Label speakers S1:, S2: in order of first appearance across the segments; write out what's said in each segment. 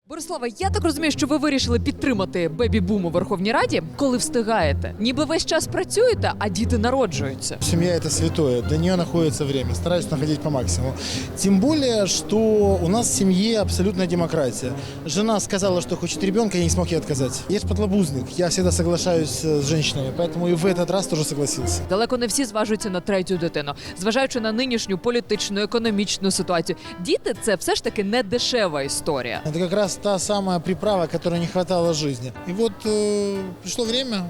S1: Борислава, я так розумію, що ви вирішили підтримати бебі-бум у Верховній Раді, коли встигаєте. Ніби весь час працюєте, а діти народжуються.
S2: Семья – это святое, для нее находится время, стараюсь находить по максимуму. Тем более, что у нас в семье абсолютная демократия. Жена сказала, что хочет ребенка, я не смог ей отказать. Я же подлабузник, я всегда соглашаюсь с женщинами, поэтому и в этот раз тоже согласился.
S1: Далеко не всі зважуються на третю дитину. Зважаючи на нинішню політичну, економічну ситуацію, діти – це все ж таки не дешева історія.
S2: Это как раз та самая приправа, которой не хватало жизни. И вот пришло время,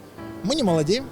S2: мы не молодеем,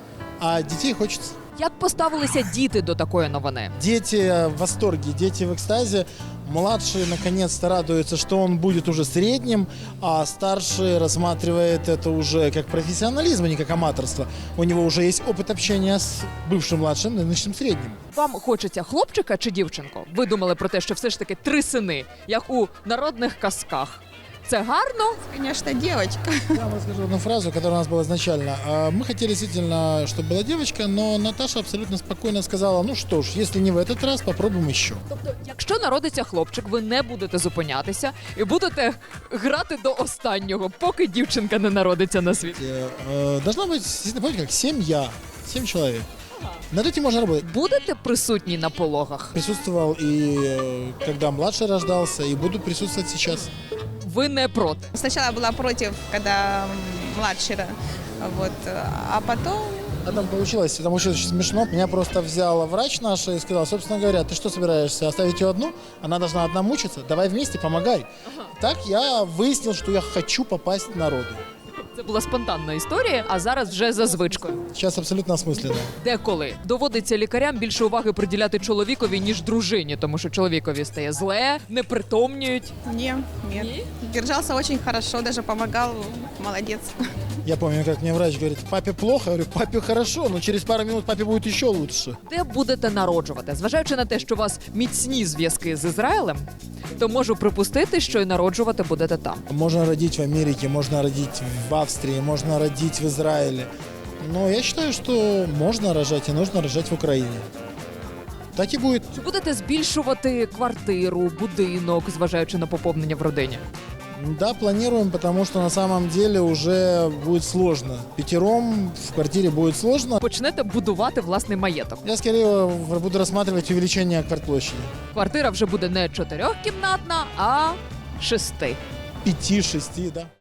S2: а детей хочется.
S1: Як поставилися діти до такої новини?
S2: Дети в восторге, дети в экстазе. Младший наконец-то радуется, что он будет уже средним, а старший рассматривает это уже как профессионализм, а не как аматорство. У него уже есть опыт общения с бывшим младшим, нынешним средним.
S1: Вам хочеться хлопчика чи дівчинку? Ви думали про те, що все ж таки 3 сини, як у народних казках. Це гарно?
S3: Конечно, девочка.
S2: Я вам расскажу одну фразу, которая у нас была изначально. Мы хотели действительно, чтобы была девочка, но Наташа абсолютно спокойно сказала, ну что ж, если не в этот раз, попробуем еще.
S1: Тобто, якщо народиться хлопчик, ви не будете зупинятися і будете грати до останнього, поки дівчинка не народиться на світ.
S2: Должна быть, действительно, помните, как семья, 7 человек. Над этим можно работать.
S1: Будете присутні на пологах?
S2: Присутствовал и когда младший рождался, и буду присутствовать сейчас.
S1: Ви не проти.
S3: Сначала была против, когда младший, вот, а потом...
S2: А там получилось очень смешно. Меня просто взял врач наш и сказал, собственно говоря, ты что собираешься, оставить ее одну? Она должна одна мучиться? Давай вместе, помогай. Так я выяснил, что я хочу попасть в народу.
S1: Це була спонтанна історія, а зараз вже за звичкою.
S2: Сейчас абсолютно осмысленно.
S1: Деколи доводиться лікарям більше уваги приділяти чоловікові, ніж дружині, тому що чоловікові стає зле, непритомнюють.
S3: Нет. Держался очень хорошо, даже помогал, молодец.
S2: Я помню, как мне врач говорит, папе плохо, я говорю, папе хорошо, но через пару минут папе будет еще лучше.
S1: Де будете народжувати? Зважаючи на те, що у вас міцні зв'язки з Ізраїлем, то можу припустити, що і народжувати будете там.
S2: Можно родить в Америке, можно родить в Австрии, можно родить в Израиле. Но я считаю, что можно рожать и нужно рожать в Украине. Так и будет.
S1: Чи будете збільшувати квартиру, будинок, зважаючи на поповнення в родині?
S2: Да, планируем, потому что на самом деле уже будет сложно. 5 в квартире будет сложно.
S1: Почнете будувати власний маєток.
S2: Я скорее буду рассматривать увеличение квартплощади.
S1: Квартира вже буде не 4-кімнатна, а 6.
S2: 5-6, да.